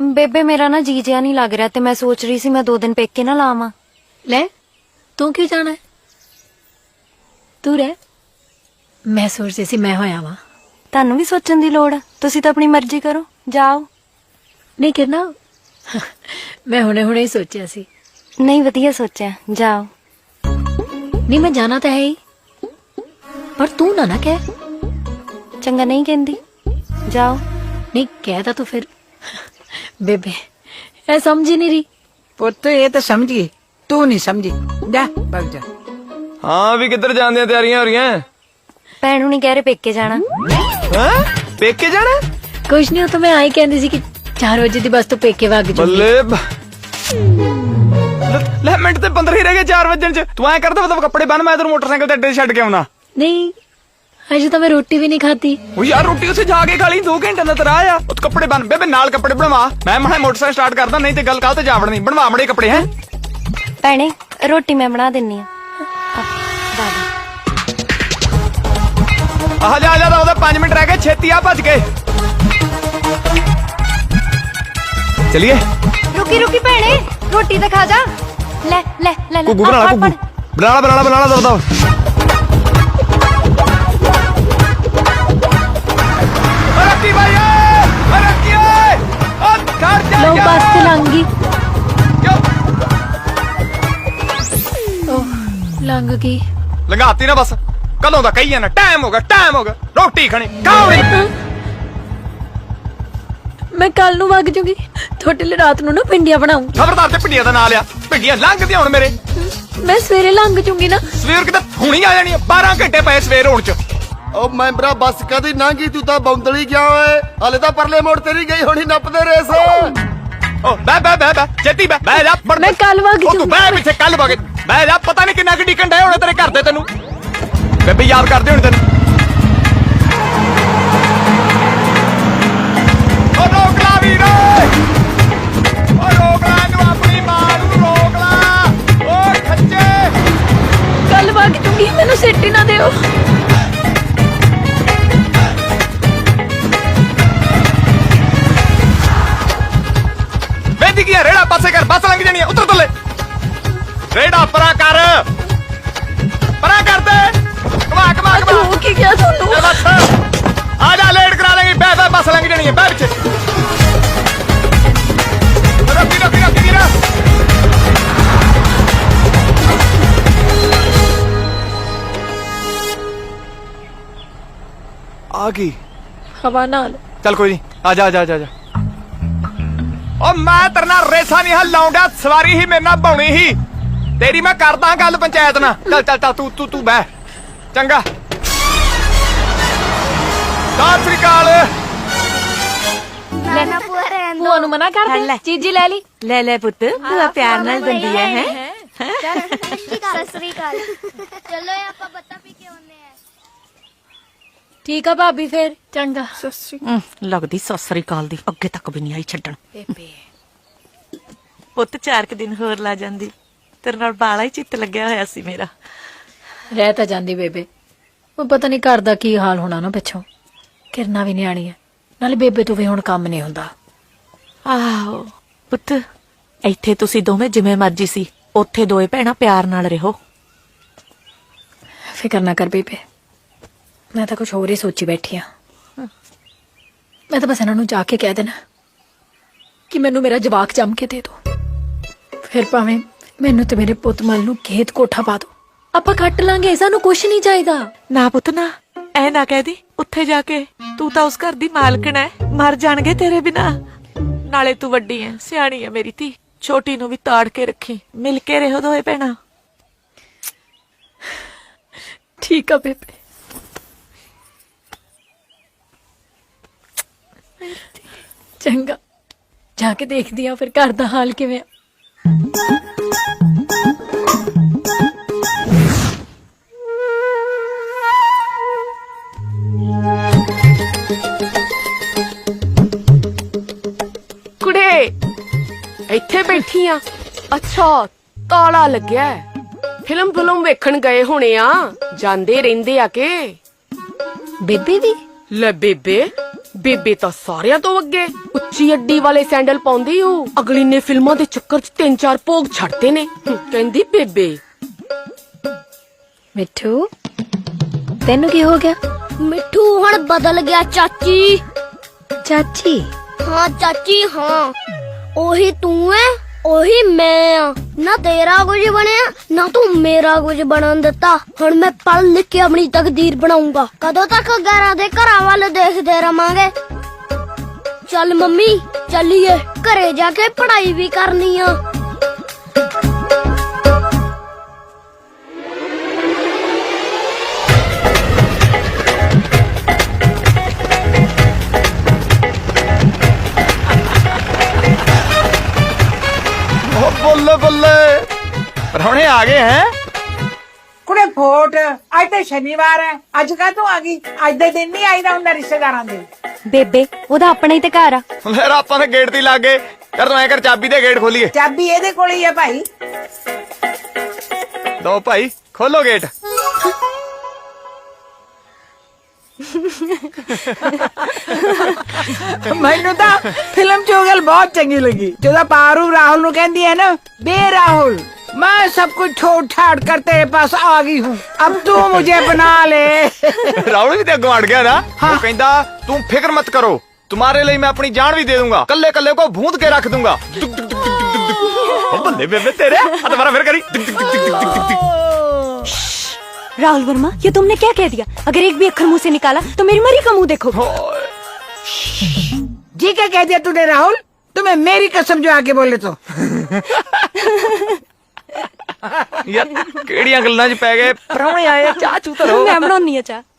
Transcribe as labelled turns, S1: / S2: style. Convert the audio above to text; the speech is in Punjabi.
S1: ਬੇਬੇ ਮੇਰਾ ਨਾ ਜੀ ਜਿਆ ਨਹੀਂ ਲੱਗ ਰਿਹਾ ਤੇ ਮੈਂ ਸੋਚ ਰਹੀ ਸੀ ਮੈਂ 2 ਦਿਨ ਪੇਕੇ ਨਾ ਲਾਵਾਂ।
S2: ਲੈ ਤੂੰ ਕਿਉਂ ਜਾਣਾ ਹੈ? ਤੂੰ ਰਹਿ। ਮੈਂ ਸੋਚਦੀ ਸੀ ਮੈਂ ਹੋਇਆ ਵਾਂ।
S1: ਤੁਹਾਨੂੰ ਵੀ ਸੋਚਣ ਦੀ ਲੋੜ ਆ, ਤੁਸੀਂ ਤਾਂ ਆਪਣੀ ਮਰਜ਼ੀ ਕਰੋ, ਜਾਓ।
S2: ਨਹੀਂ ਕਰਨਾ ਮੈਂ ਹੁਣੇ ਹੀ ਸੋਚਿਆ ਸੀ।
S1: ਨਹੀਂ ਵਧੀਆ ਸੋਚਿਆ, ਜਾਓ।
S2: ਨਹੀਂ ਮੈਂ ਜਾਣਾ ਤਾਂ ਹੈ ਹੀ, ਪਰ ਤੂੰ ਨਾ ਕਹਿ।
S1: ਚੰਗਾ ਨਹੀਂ ਕਹਿੰਦੀ, ਜਾਓ।
S2: ਨਹੀਂ ਕਹਿ ਤਾਂ ਤੂੰ ਫਿਰ। ਬੇਬੇ ਇਹ ਸਮਝ ਹੀ ਨਹੀਂ ਰਹੀ।
S3: ਪੁੱਤ ਇਹ ਤਾਂ ਸਮਝੀ, ਤੂੰ ਨਹੀਂ ਸਮਝੀ। ਜਾ ਭੱਜ ਜਾ।
S4: ਹਾਂ ਵੀ ਕਿੱਧਰ ਜਾਣ ਦੀਆਂ ਤਿਆਰੀਆਂ ਹੋ ਰਹੀਆਂ?
S1: ਭੈਣ ਨੂੰ ਨਹੀਂ ਕਹਿ ਰਹੇ ਪੇਕੇ ਜਾਣਾ।
S4: ਹਾਂ ਪੇਕੇ ਜਾਣਾ?
S2: ਕੁਛ ਨਹੀਂ, ਉਹ ਤਾਂ ਮੈਂ ਆਈ ਕਹਿੰਦੀ ਸੀ ਕਿ 4 ਵਜੇ ਦੀ ਬੱਸ ਤੋਂ ਪੇਕੇ ਵਗ ਜੂਗੀ।
S4: ਬੱਲੇ ਲੈ ਮਿੰਟ ਤੇ 15 ਹੀ ਰਹਿ ਗਏ 4 ਵਜਣ ਚ। ਤੂੰ ਐ ਕਰਦਾ ਮਤਲਬ ਕੱਪੜੇ ਬੰਨ, ਮੈਂ ਤੈਨੂੰ ਮੋਟਰਸਾਈਕਲ ਤੇ ਅੱਡੇ ਛੱਡ ਕੇ ਆਉਣਾ।
S2: ਨਹੀਂ ਅਜੇ ਤਾਂ ਮੈਂ ਰੋਟੀ ਵੀ ਨਹੀਂ ਖਾਧੀ।
S4: ਉਹ ਯਾਰ ਰੋਟੀ ਉੱਥੇ ਜਾ ਕੇ ਖਾ ਲਈ, 2 ਘੰਟੇ ਦਾ ਤੇਰਾ ਆ। ਉਹ ਕੱਪੜੇ ਬੰਨ ਬੇਬੇ, ਨਾਲ ਕੱਪੜੇ ਬਣਵਾ। ਮੈਂ ਮੋਟਰਸਾਈਕਲ ਸਟਾਰਟ ਕਰਦਾ, ਨਹੀਂ ਤੇ ਗੱਲ ਕਾਹ ਤੇ ਜਾਵੜਨੀ। ਬਣਵਾ ਮੜੇ ਕੱਪੜੇ। ਹੈ
S1: ਭੈਣੇ ਰੋਟੀ ਮੈਂ ਬਣਾ ਦਿੰਨੀ ਆ।
S4: ਆਹ ਜਾ ਜਾ, ਉਹਦੇ 5 ਮਿੰਟ ਰਹਿ ਗਏ, ਛੇਤੀ ਆ ਭੱਜ ਕੇ ਚਲਿਏ।
S1: ਰੁਕੀ ਭੈਣੇ, ਰੋਟੀ ਤਾਂ ਖਾ ਜਾ। ਲੈ ਲੈ ਲੈ ਲੈ
S4: ਕੁੱਗੂ ਬਣਾ ਲਾ, ਕੁੱਗੂ ਬਣਾ ਲਾ ਦਰਦਾ। ਰੱਖੀ ਭਾਈ ਰੱਖੀ ਓਏ, ਉਹ ਘਰ ਜਾ
S2: ਲੋ ਬੱਸ ਤੇ ਲੰਘ ਗਈ। ਲੰਘ ਗਈ।
S4: ਲੰਘਾਤੀ ਨਾ ਬਸ, ਕਦੋਂ ਦਾ ਕਹੀ ਜਾਣਾ ਟਾਈਮ ਹੋ ਗਿਆ ਰੋਟੀ ਖਾਣੀ ਖਾਓ।
S2: ਮੈਂ ਕੱਲ ਨੂੰ ਵਗ ਜੂਗੀ, ਤੁਹਾਡੇ ਲਈ ਰਾਤ ਨੂੰ ਨਾ ਭਿੰਡੀਆਂ ਬਣਾਉਂ।
S4: ਖਬਰਦਾਰ ਤੇ ਭਿੰਡੀਆਂ ਦਾ ਨਾਂ ਲਿਆ। ਭਿੰਡੀਆਂ ਲੰਘਦੀਆਂ ਹੁਣ ਮੇਰੇ।
S2: ਮੈਂ ਸਵੇਰੇ ਲੰਘ ਜੂਗੀ ਨਾ।
S4: ਸਵੇਰ ਕਿਤੇ ਹੁਣੀ ਆ ਜਾਣੀ। 12 ਘੰਟੇ ਪਏ ਸਵੇਰ ਹੋਣ ਚ।
S5: ਉਹ ਮੈਂਬਰਾ ਬੱਸ ਕਦੀ ਲੰਘੀ, ਤੂੰ ਤਾਂ ਬੌਂਦਲੀ ਗਿਆ ਓਏ। ਹਲੇ ਤਾਂ ਪਰਲੇ ਮੋੜ ਤੇਰੀ ਗਈ ਹੋਣੀ ਨੱਪਦੇ ਰੇਸ।
S4: ਓ ਬੈ ਛੇਤੀ ਬੈ ਜਾ।
S2: ਮੈਂ ਕੱਲ ਵਗ
S4: ਉਹ ਤੂੰ ਬੈ ਪਿੱਛੇ ਕੱਲ ਵਗੇ ਬੈ ਜਾ। ਪਤਾ ਨਹੀਂ ਕਿੰਨਾ ਕਿ ਡਿੱਕਣ ਡਏ ਹੋਣੇ ਤੇਰੇ ਘਰ ਦੇ ਤੈਨੂੰ। ਬੇਬੇ ਯਾਦ ਕਰਦੇ ਹੋਣੇ ਤੈਨੂੰ। ਓ ਰੋਕ ਲਾ ਵੀਰ, ਓ ਰੋਕ ਲਾ ਇਹਨੂੰ, ਆਪਣੀ ਮਾਂ ਨੂੰ ਰੋਕ ਲਾ। ਓ ਖੱਜੇ
S2: ਕੱਲ ਵਗ ਜੂਗੀ, ਮੈਨੂੰ ਸਿੱਟੀ ਨਾ ਦਿਓ।
S4: ਵੇਦੀ ਕੀ ਰੇੜਾ ਪਾਸੇ ਕਰ, ਬੱਸ ਲੰਘ ਜਾਣੀ। ਉਤਰ ਥੱਲੇ, ਰੇੜਾ ਪਰਾਂ ਕਰ ਦੇ। ਕਮਾ
S2: ਤੂੰ ਕੀ ਕਿਹਾ ਤੁਹਾਨੂੰ?
S4: ਬਸ ਆ ਜਾ, ਲੇਟ ਕਰਾ ਦੇਂਗੀ। ਬੈ ਬੱਸ ਲੰਘ ਜਾਣੀ ਹੈ। ਬੈ ਪਿੱਛੇ ਰੋਕੀ ਵੀਰਾ। ਆ ਗਈ
S2: ਹਵਾ ਨਾਲ।
S4: ਚੱਲ ਕੋਈ ਨਹੀਂ, ਆ ਜਾ। ਓ ਮੈਂ ਤੇਰੇ ਨਾਲ ਰੇਸਾ ਨਹੀਂ ਲਾਉਂਦਾ, ਸਵਾਰੀ ਹੀ ਮੇਰੇ ਨਾਲ ਬਾਉਣੀ ਹੀ। ਤੇਰੀ ਮੈਂ ਕਰਦਾ ਗੱਲ ਪੰਚਾਇਤ ਨਾਲ। ਚੱਲ ਤੂੰ ਬਹਿ। ਚੰਗਾ, ਸਤਿ ਸ੍ਰੀ ਅਕਾਲ।
S2: ਭੂਆ ਨੂੰ ਮਨਾ ਕਰ ਦੇ, ਚੀਜ਼ੀ ਲੈ ਲਈ।
S6: ਲੈ ਪੁੱਤ, ਭੂਆ ਪਿਆਰ ਨਾਲ ਦਿੰਦੀ ਹੈ।
S7: ਸਤਿ ਸ੍ਰੀ ਅਕਾਲ। ਚਲੋ ਆਪਾਂ ਬੱਤਾ ਪੀ ਕੇ ਆਉਨੇ ਆ।
S2: ਠੀਕ ਆ ਭਾਬੀ, ਫੇਰ ਚੰਗਾ।
S6: ਲੱਗਦੀ ਸਤਿ ਸ੍ਰੀ ਅਕਾਲ ਦੀ ਅੱਗੇ ਤੱਕ ਵੀ ਨਹੀਂ ਆਈ ਛੱਡਣ। ਪੁੱਤ 4 ਕੁ ਦਿਨ ਹੋਰ ਲਾ ਜਾਂਦੀ, ਤੇਰੇ ਨਾਲ ਬਾਲਾ ਹੀ ਚਿੱਤ ਲੱਗਿਆ ਹੋਇਆ ਸੀ ਮੇਰਾ।
S2: ਰਹਿ ਤਾਂ ਜਾਂਦੀ ਬੇਬੇ, ਉਹ ਪਤਾ ਨਹੀਂ ਘਰ ਦਾ ਕੀ ਹਾਲ ਹੋਣਾ ਨਾ ਪਿੱਛੋਂ। ਕਿਰਨਾ ਵੀ ਨਿਆਣੀ ਹੈ, ਨਾਲੇ ਬੇਬੇ ਤੋਂ ਵੀ ਹੁਣ ਕੰਮ ਨਹੀਂ ਹੁੰਦਾ।
S6: ਆਹੋ ਪੁੱਤ, ਇੱਥੇ ਤੁਸੀਂ ਦੋਵੇਂ ਜਿਵੇਂ ਮਰਜੀ ਸੀ, ਉੱਥੇ ਦੋਏ ਭੈਣਾਂ ਪਿਆਰ ਨਾਲ ਰਹੋ।
S2: ਫਿਕਰ ਨਾ ਕਰ ਬੇਬੇ, ਮੈਂ ਤਾਂ ਕੁਝ ਹੋਰ ਹੀ ਸੋਚੀ ਬੈਠੀ ਆ। ਮੈਂ ਤਾਂ ਬਸ ਇਹਨਾਂ ਨੂੰ ਜਾ ਕੇ ਕਹਿ ਦੇਣਾ ਕਿ ਮੈਨੂੰ ਮੇਰਾ ਜਵਾਕ ਜੰਮ ਕੇ ਦੇ ਦਿਓ। ਫਿਰ ਭਾਵੇਂ ਮੈਨੂੰ ਤੇ ਮੇਰੇ ਪੁੱਤ ਮਲ ਨੂੰ ਖੇਤ ਕੋਠਾ ਪਾ ਦਿਓ, ਆਪਾਂ ਕੱਟ ਲਾਂਗੇ, ਸਾਨੂੰ ਕੁਝ ਨਹੀਂ ਚਾਹੀਦਾ।
S6: ਨਾ ਪੁੱਤ ਨਾ, ਐ ਨਾ ਕਹਿ ਦੀ। ਉੱਥੇ ਜਾ ਕੇ ਤੂੰ ਤਾਂ ਉਸ ਘਰ ਦੀ ਮਾਲਕਣ ਐ, ਮਰ ਜਾਣਗੇ ਤੇਰੇ ਬਿਨਾ। ਨਾਲੇ ਤੂੰ ਵੱਡੀ ਐ, ਸਿਆਣੀ ਐ ਮੇਰੀ ਧੀ। ਛੋਟੀ ਨੂੰ ਵੀ ਤਾੜ ਕੇ ਰੱਖੀ, ਮਿਲ ਕੇ ਰਹੋ ਦੋਏ ਭੈਣਾਂ।
S2: ਠੀਕ ਆ ਬੇਬੇ। ਚੰਗਾ, ਜਾ ਕੇ ਦੇਖਦੀ ਆ ਫਿਰ ਘਰ ਦਾ ਹਾਲ ਕਿਵੇਂ ਆ।
S8: ਕੁੜੇ ਇੱਥੇ ਬੈਠੀ ਆ? ਅੱਛਾ, ਤਾਲਾ ਲੱਗਿਆ। ਫਿਲਮ ਵੇਖਣ ਗਏ ਹੋਣੇ ਆ, ਜਾਂਦੇ ਰਹਿੰਦੇ ਆ ਕੇ।
S2: ਬੇਬੇ ਵੀ?
S8: ਲੈ ਬੇਬੇ ਤਾਂ ਸਾਰਿਆਂ ਤੋਂ ਅੱਗੇ। ਉੱਚੀ ਅੱਡੀ ਵਾਲੇ ਸੈਂਡਲ ਪਾਉਂਦੀ ਉਹ। ਅਗਲੀ ਨੇ ਫਿਲਮਾਂ ਦੇ ਚੱਕਰ 'ਚ 3-4 ਭੋਗ ਛੱਡਦੇ ਨੇ। ਕਹਿੰਦੀ ਬੇਬੇ
S2: ਮਿੱਠੂ ਤੈਨੂੰ ਕੀ ਹੋ ਗਿਆ?
S7: ਮਿੱਠੂ ਹੁਣ ਬਦਲ ਗਿਆ ਚਾਚੀ।
S2: ਚਾਚੀ
S7: ਹਾਂ ਚਾਚੀ ਹਾਂ, ਉਹੀ ਤੂੰ ਐ ਉਹੀ ਮੈਂ ਆ। ਨਾ ਤੇਰਾ ਕੁਝ ਬਣਿਆ ਨਾ ਤੂੰ ਮੇਰਾ ਕੁਝ ਬਣਨ ਦਿੱਤਾ। ਹੁਣ ਮੈਂ ਪੜ੍ਹ ਲਿਖ ਕੇ ਆਪਣੀ ਤਕਦੀਰ ਬਣਾਉਂਗਾ। ਕਦੋਂ ਤੱਕ ਗੈਰਾਂ ਦੇ ਘਰਾਂ ਵੱਲ ਦੇਖਦੇ ਰਵਾਂਗੇ? ਚੱਲ ਮੰਮੀ ਚੱਲੀਏ, ਘਰੇ ਜਾ ਕੇ ਪੜ੍ਹਾਈ ਵੀ ਕਰਨੀ ਆ।
S4: ਓ ਬੱਲੇ ਬੱਲੇ, ਪਰੌਣੇ ਆ ਗਏ ਹੈ।
S3: ਕੁੜੇ ਫੋਟ ਅੱਜ ਤੇ ਸ਼ਨੀਵਾਰ ਹੈ, ਅੱਜ ਕਾ ਤੂੰ ਆ ਗਈ? ਅੱਜ ਦੇ ਦਿਨ ਨਹੀਂ ਆਈਦਾ ਹੁੰਦਾ ਰਿਸ਼ਤੇਦਾਰਾਂ ਦੇ।
S1: ਬੇਬੇ ਉਹਦਾ ਆਪਣਾ ਹੀ ਤੇ ਘਰ ਆ।
S4: ਲੈ ਆਪਾਂ ਦੇ ਗੇਟ ਤੇ ਲੱਗ ਗਏ। ਯਾਰ ਤੂੰ ਐ ਕਰ, ਚਾਬੀ ਦੇ ਗੇਟ ਖੋਲੀਏ।
S3: ਚਾਬੀ ਇਹਦੇ ਕੋਲ ਹੀ ਹੈ ਭਾਈ।
S4: ਲਓ ਭਾਈ ਖੋਲੋ ਗੇਟ।
S3: ਮੈਨੂੰ ਤਾਂ ਫਿਲਮ ਚੋਗਲ ਬਹੁਤ ਚੰਗੀ ਲੱਗੀ, ਜਦੋਂ ਪਾਰੂ ਰਾਹੁਲ ਨੂੰ ਕਹਿੰਦੀ ਹੈ ਨਾ, बे राहुल मैं सब कुछ छोड़ छाड़ कर तेरे पास आ गई हूँ, अब तू मुझे बना ले।
S4: ਰਾਹੁਲ ਵੀ ਤੇ ਅੱਗੋਂ ਅੜ ਗਿਆ ਨਾ। ਉਹ ਕਹਿੰਦਾ ਤੂੰ ਫਿਕਰ ਮਤ ਕਰੋ, तुम्हारे लिए मैं अपनी जान भी दे दूंगा, कल्ले कल्ले को भूंद के रख दूंगा। बल्ले बेबे तेरे तुम्हारा फिर करी।
S1: राहुल वर्मा, ये तुमने क्या कह दिया? अगर एक भी अक्षर मुंह से निकाला तो मेरी मरी का मुंह देखो।
S3: जी क्या कह दिया तूने राहुल? तुम्हें मेरी कसम जो आके बोले तो।
S4: यार केड़ियां गल्लां च पै गए। पराहुणे आए, चाह चू धरो।
S1: मैं बनाउनी आ चाह।